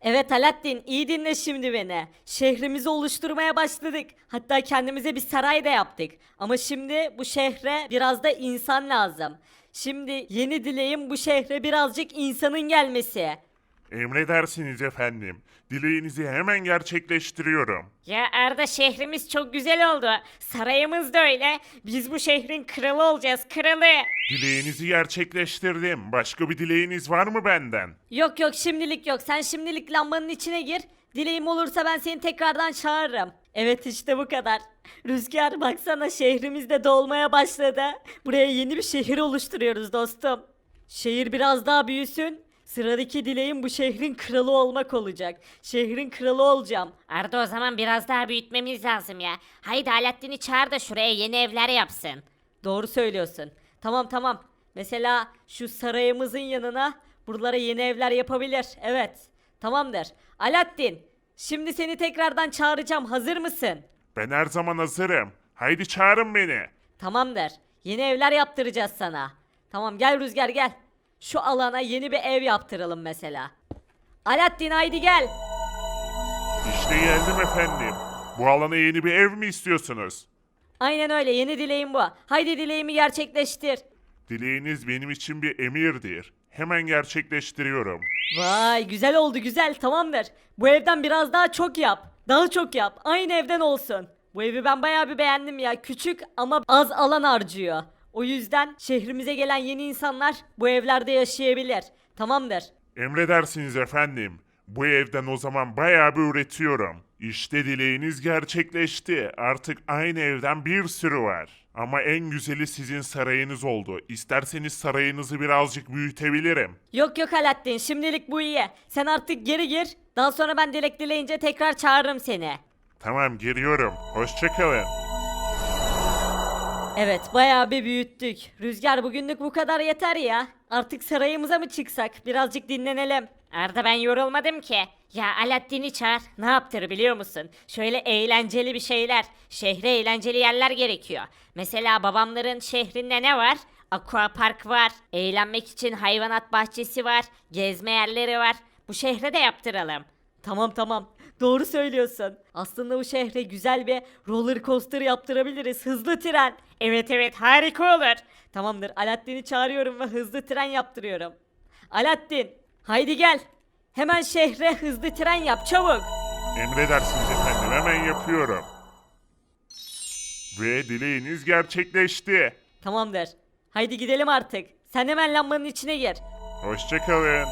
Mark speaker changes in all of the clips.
Speaker 1: Evet Alaaddin, iyi dinle şimdi beni. Şehrimizi oluşturmaya başladık. Hatta kendimize bir saray da yaptık. Ama şimdi bu şehre biraz da insan lazım. Şimdi yeni dileğim bu şehre birazcık insanın gelmesi.
Speaker 2: Emredersiniz efendim. Dileğinizi hemen gerçekleştiriyorum.
Speaker 3: Ya Arda şehrimiz çok güzel oldu. Sarayımız da öyle. Biz bu şehrin kralı olacağız, kralı.
Speaker 2: Dileğinizi gerçekleştirdim. Başka bir dileğiniz var mı benden?
Speaker 1: Yok yok, şimdilik yok. Sen şimdilik lambanın içine gir. Dileğim olursa ben seni tekrardan çağırırım. Evet, işte bu kadar. Rüzgar, baksana, şehrimiz de dolmaya başladı. Buraya yeni bir şehir oluşturuyoruz dostum. Şehir biraz daha büyüsün. Sıradaki dileğim bu şehrin kralı olmak olacak. Şehrin kralı olacağım.
Speaker 3: Arda o zaman biraz daha büyütmemiz lazım ya. Haydi Alaaddin'i çağır da şuraya yeni evler yapsın.
Speaker 1: Doğru söylüyorsun. Tamam tamam. Mesela şu sarayımızın yanına buralara yeni evler yapabilir. Evet. Tamamdır. Alaaddin, şimdi seni tekrardan çağıracağım. Hazır mısın?
Speaker 2: Ben her zaman hazırım. Haydi çağırın beni.
Speaker 1: Tamamdır. Yeni evler yaptıracağız sana. Tamam, gel Rüzgar gel. Şu alana yeni bir ev yaptıralım mesela. Alaaddin, haydi gel.
Speaker 2: İşte geldim efendim. Bu alana yeni bir ev mi istiyorsunuz?
Speaker 1: Aynen öyle, yeni dileğim bu. Haydi dileğimi gerçekleştir.
Speaker 2: Dileğiniz benim için bir emirdir. Hemen gerçekleştiriyorum.
Speaker 1: Vay, güzel oldu, güzel, tamamdır. Bu evden biraz daha çok yap. Daha çok yap. Aynı evden olsun. Bu evi ben bayağı bir beğendim ya. Küçük ama az alan harcıyor. O yüzden şehrimize gelen yeni insanlar bu evlerde yaşayabilir. Tamamdır.
Speaker 2: Emredersiniz efendim. Bu evden o zaman bayağı bir üretiyorum. İşte dileğiniz gerçekleşti. Artık aynı evden bir sürü var. Ama en güzeli sizin sarayınız oldu. İsterseniz sarayınızı birazcık büyütebilirim.
Speaker 1: Yok yok Alaaddin, şimdilik bu iyi. Sen artık geri gir. Daha sonra ben dilek dileyince tekrar çağırırım seni.
Speaker 2: Tamam, geliyorum. Hoşçakalın.
Speaker 1: Evet, bayağı bir büyüttük. Rüzgar, bugünlük bu kadar yeter ya. Artık sarayımıza mı çıksak? Birazcık dinlenelim.
Speaker 3: Arda ben yorulmadım ki. Ya Alaaddin'i çağır. Ne yaptır biliyor musun? Şöyle eğlenceli bir şeyler. Şehre eğlenceli yerler gerekiyor. Mesela babamların şehrinde ne var? Aquapark var. Eğlenmek için hayvanat bahçesi var. Gezme yerleri var. Bu şehre de yaptıralım.
Speaker 1: Tamam tamam. Doğru söylüyorsun. Aslında bu şehre güzel bir roller coaster yaptırabiliriz. Hızlı tren.
Speaker 3: Evet evet harika olur.
Speaker 1: Tamamdır. Alaaddin'i çağırıyorum ve hızlı tren yaptırıyorum. Alaaddin, haydi gel. Hemen şehre hızlı tren yap çabuk.
Speaker 2: Emredersiniz efendim, hemen yapıyorum. Ve dileğiniz gerçekleşti.
Speaker 1: Tamamdır. Haydi gidelim artık. Sen hemen lambanın içine gir.
Speaker 2: Hoşçakalın.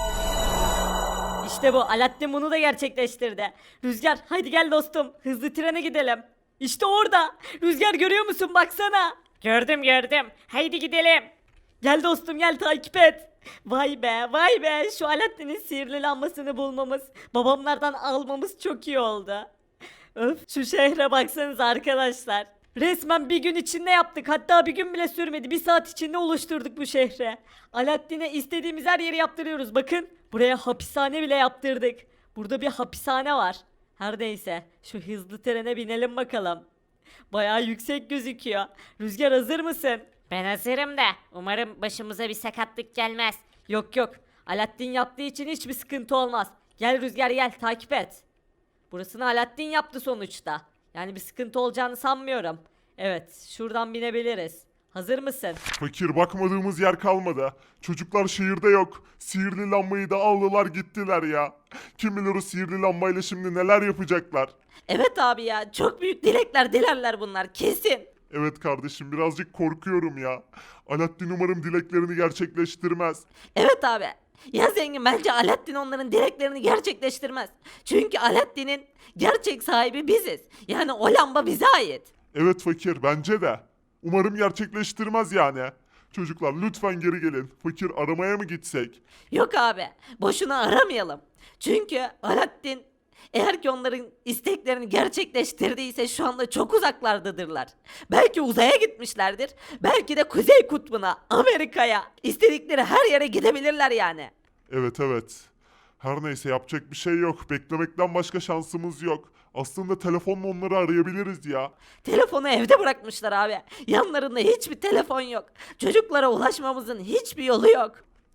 Speaker 1: İşte bu. Alaaddin bunu da gerçekleştirdi. Rüzgar, haydi gel dostum. Hızlı trene gidelim. İşte orada. Rüzgar, görüyor musun? Baksana.
Speaker 3: Gördüm gördüm. Haydi gidelim.
Speaker 1: Gel dostum, gel takip et. Vay be, vay be. Şu Alaaddin'in sihirli lambasını bulmamız, babamlardan almamız çok iyi oldu. Öf, şu şehre baksanız arkadaşlar. Resmen bir gün içinde yaptık. Hatta bir gün bile sürmedi. Bir saat içinde oluşturduk bu şehre. Alaaddin'e istediğimiz her yeri yaptırıyoruz. Bakın, buraya hapishane bile yaptırdık. Burada bir hapishane var. Her neyse, şu hızlı trene binelim bakalım. Bayağı yüksek gözüküyor. Rüzgar, hazır mısın?
Speaker 3: Ben hazırım da umarım başımıza bir sakatlık gelmez.
Speaker 1: Yok yok. Alaaddin yaptığı için hiçbir sıkıntı olmaz. Gel Rüzgar, gel takip et. Burasını Alaaddin yaptı sonuçta. Yani bir sıkıntı olacağını sanmıyorum. Evet, şuradan binebiliriz. Hazır mısın?
Speaker 2: Fakir, bakmadığımız yer kalmadı. Çocuklar şehirde yok. Sihirli lambayı da aldılar gittiler ya. Kim bilir o sihirli lambayla şimdi neler yapacaklar.
Speaker 1: Evet abi ya, çok büyük dilekler dilerler bunlar kesin.
Speaker 2: Evet kardeşim, birazcık korkuyorum ya. Alaaddin umarım dileklerini gerçekleştirmez.
Speaker 1: Evet abi. Ya zengin, bence Alaaddin onların dileklerini gerçekleştirmez. Çünkü Alaaddin'in gerçek sahibi biziz. Yani o lamba bize ait.
Speaker 2: Evet fakir, bence de. Umarım gerçekleştirmez yani. Çocuklar lütfen geri gelin. Fakir, aramaya mı gitsek?
Speaker 1: Yok abi, boşuna aramayalım. Çünkü Alaaddin eğer ki onların isteklerini gerçekleştirdiyse şu anda çok uzaklardadırlar. Belki uzaya gitmişlerdir. Belki de Kuzey Kutbu'na, Amerika'ya, istedikleri her yere gidebilirler yani.
Speaker 2: Evet evet. Her neyse, yapacak bir şey yok. Beklemekten başka şansımız yok. Aslında telefonla onları arayabiliriz ya.
Speaker 1: Telefonu evde bırakmışlar abi. Yanlarında hiçbir telefon yok. Çocuklara ulaşmamızın hiçbir yolu yok.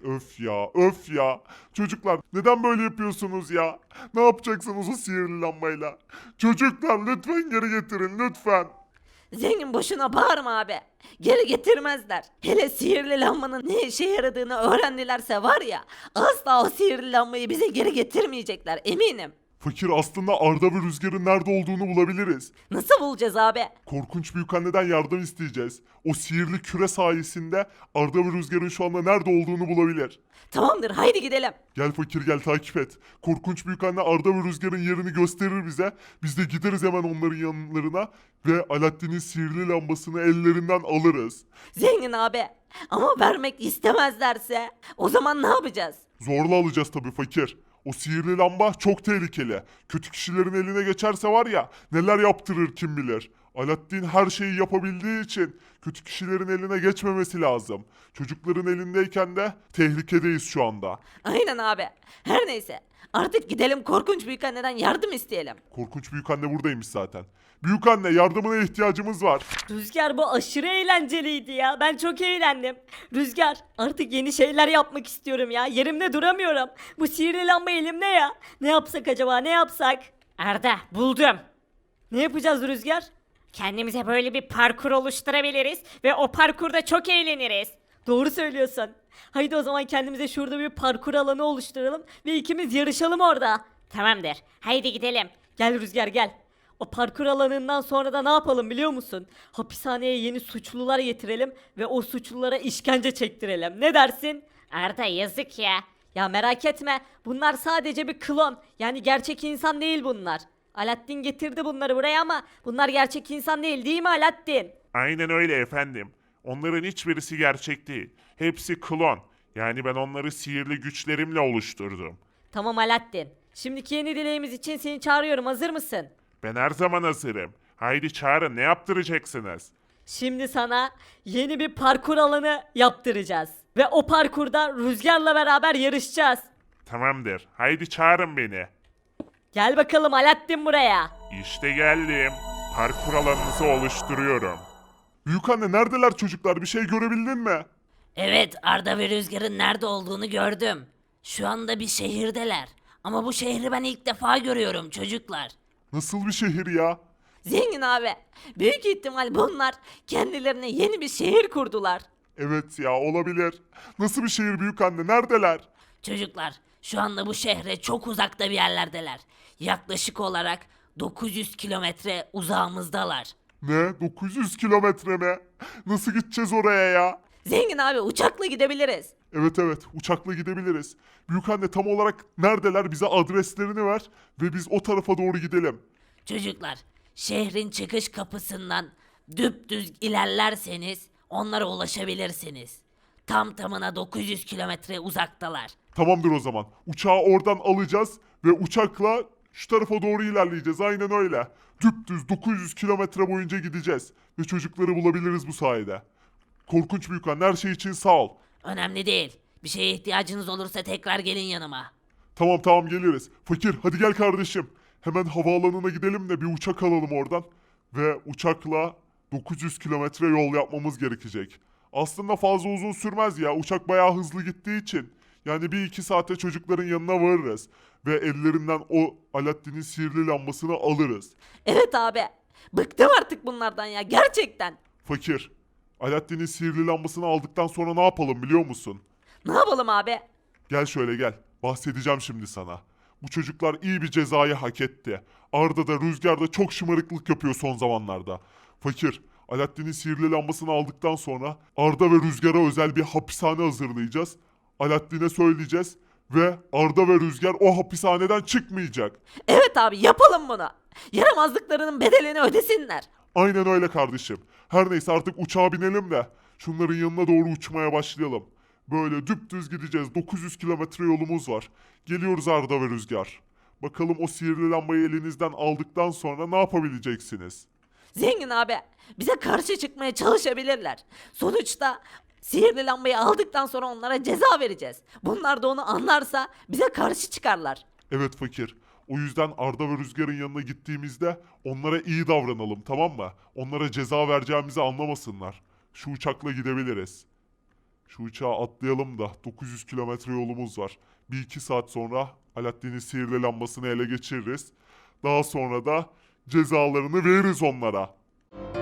Speaker 2: Öf ya, öf ya. Çocuklar neden böyle yapıyorsunuz ya? Ne yapacaksınız o sihirli lambayla? Çocuklar lütfen geri getirin lütfen.
Speaker 1: Zengin boşuna bağırma abi. Geri getirmezler. Hele sihirli lambanın ne işe yaradığını öğrendilerse var ya, asla o sihirli lambayı bize geri getirmeyecekler eminim.
Speaker 2: Fakir aslında Arda ve Rüzgar'ın nerede olduğunu bulabiliriz.
Speaker 1: Nasıl bulacağız abi?
Speaker 2: Korkunç büyükanneden yardım isteyeceğiz. O sihirli küre sayesinde Arda ve Rüzgar'ın şu anda nerede olduğunu bulabilir.
Speaker 1: Tamamdır, haydi gidelim.
Speaker 2: Gel fakir gel takip et. Korkunç büyükanne Arda ve Rüzgar'ın yerini gösterir bize. Biz de gideriz hemen onların yanlarına ve Alaaddin'in sihirli lambasını ellerinden alırız.
Speaker 1: Zengin abi. Ama vermek istemezlerse o zaman ne yapacağız?
Speaker 2: Zorla alacağız tabii fakir. O sihirli lamba çok tehlikeli. Kötü kişilerin eline geçerse var ya neler yaptırır kim bilir. Alaaddin her şeyi yapabildiği için kötü kişilerin eline geçmemesi lazım. Çocukların elindeyken de tehlikedeyiz şu anda.
Speaker 1: Aynen abi. Her neyse. Artık gidelim korkunç büyükanneden yardım isteyelim.
Speaker 2: Korkunç büyükanne buradaymış zaten. Büyükanne yardımına ihtiyacımız var.
Speaker 1: Rüzgar bu aşırı eğlenceliydi ya. Ben çok eğlendim. Rüzgar artık yeni şeyler yapmak istiyorum ya. Yerimde duramıyorum. Bu sihirli lamba elimde ya. Ne yapsak acaba ne yapsak?
Speaker 3: Arda buldum.
Speaker 1: Ne yapacağız Rüzgar?
Speaker 3: Kendimize böyle bir parkur oluşturabiliriz ve o parkurda çok eğleniriz.
Speaker 1: Doğru söylüyorsun. Haydi o zaman kendimize şurada bir parkur alanı oluşturalım ve ikimiz yarışalım orada.
Speaker 3: Tamamdır. Haydi gidelim.
Speaker 1: Gel Rüzgar gel. O parkur alanından sonra da ne yapalım biliyor musun? Hapishaneye yeni suçlular getirelim ve o suçlulara işkence çektirelim. Ne dersin?
Speaker 3: Arda yazık ya.
Speaker 1: Ya merak etme. Bunlar sadece bir klon. Yani gerçek insan değil bunlar. Alaaddin getirdi bunları buraya ama bunlar gerçek insan değil mi Alaaddin?
Speaker 2: Aynen öyle efendim. Onların hiçbirisi gerçek değil. Hepsi klon. Yani ben onları sihirli güçlerimle oluşturdum.
Speaker 1: Tamam Alaaddin. Şimdiki yeni dileğimiz için seni çağırıyorum. Hazır mısın?
Speaker 2: Ben her zaman hazırım. Haydi çağırın ne yaptıracaksınız?
Speaker 1: Şimdi sana yeni bir parkur alanı yaptıracağız. Ve o parkurda Rüzgar'la beraber yarışacağız.
Speaker 2: Tamamdır. Haydi çağırın beni.
Speaker 1: Gel bakalım Alaaddin buraya.
Speaker 2: İşte geldim. Parkur alanınızı oluşturuyorum. Büyükanne neredeler çocuklar? Bir şey görebildin mi?
Speaker 4: Evet, Arda ve Rüzgar'ın nerede olduğunu gördüm. Şu anda bir şehirdeler. Ama bu şehri ben ilk defa görüyorum çocuklar.
Speaker 2: Nasıl bir şehir ya?
Speaker 1: Zengin abi. Büyük ihtimal bunlar kendilerine yeni bir şehir kurdular.
Speaker 2: Evet ya olabilir. Nasıl bir şehir büyükanne? Neredeler?
Speaker 4: Çocuklar, şu anda bu şehre çok uzakta bir yerlerdeler. Yaklaşık olarak 900 kilometre uzağımızdalar.
Speaker 2: Ne? 900 kilometre mi? Nasıl gideceğiz oraya ya?
Speaker 1: Zengin abi uçakla gidebiliriz.
Speaker 2: Evet evet uçakla gidebiliriz. Büyükanne tam olarak neredeler bize adreslerini ver ve biz o tarafa doğru gidelim.
Speaker 4: Çocuklar, şehrin çıkış kapısından düpdüz ilerlerseniz onlara ulaşabilirsiniz. Tam tamına 900 kilometre uzaktalar.
Speaker 2: Tamamdır o zaman. Uçağı oradan alacağız ve uçakla şu tarafa doğru ilerleyeceğiz. Aynen öyle. Düpdüz 900 kilometre boyunca gideceğiz ve çocukları bulabiliriz bu sayede. Korkunç büyükanne her şey için sağ ol.
Speaker 4: Önemli değil. Bir şeye ihtiyacınız olursa tekrar gelin yanıma.
Speaker 2: Tamam tamam geliriz. Fakir hadi gel kardeşim. Hemen havaalanına gidelim de bir uçak alalım oradan. Ve uçakla 900 kilometre yol yapmamız gerekecek. Aslında fazla uzun sürmez ya. Uçak bayağı hızlı gittiği için. Yani bir iki saate çocukların yanına varırız. Ve ellerinden o Alaaddin'in sihirli lambasını alırız.
Speaker 1: Evet abi. Bıktım artık bunlardan ya gerçekten.
Speaker 2: Fakir, Alaaddin'in sihirli lambasını aldıktan sonra ne yapalım biliyor musun?
Speaker 1: Ne yapalım abi?
Speaker 2: Gel şöyle gel. Bahsedeceğim şimdi sana. Bu çocuklar iyi bir cezayı hak etti. Arda da Rüzgar da çok şımarıklık yapıyor son zamanlarda. Fakir, Alaaddin'in sihirli lambasını aldıktan sonra Arda ve Rüzgar'a özel bir hapishane hazırlayacağız. Alaaddin'e söyleyeceğiz ve Arda ve Rüzgar o hapishaneden çıkmayacak.
Speaker 1: Evet abi yapalım bunu. Yaramazlıklarının bedelini ödesinler.
Speaker 2: Aynen öyle kardeşim. Her neyse artık uçağa binelim de şunların yanına doğru uçmaya başlayalım. Böyle düpdüz gideceğiz. 900 kilometre yolumuz var. Geliyoruz Arda ve Rüzgar. Bakalım o sihirli lambayı elinizden aldıktan sonra ne yapabileceksiniz?
Speaker 1: Zengin abi bize karşı çıkmaya çalışabilirler. Sonuçta sihirli lambayı aldıktan sonra onlara ceza vereceğiz. Bunlar da onu anlarsa bize karşı çıkarlar.
Speaker 2: Evet fakir. O yüzden Arda ve Rüzgar'ın yanına gittiğimizde onlara iyi davranalım tamam mı? Onlara ceza vereceğimizi anlamasınlar. Şu uçakla gidebiliriz. Şu uçağa atlayalım da 900 kilometre yolumuz var. 1-2 saat sonra Alaaddin'in sihirli lambasını ele geçiririz. Daha sonra da cezalarını veririz onlara.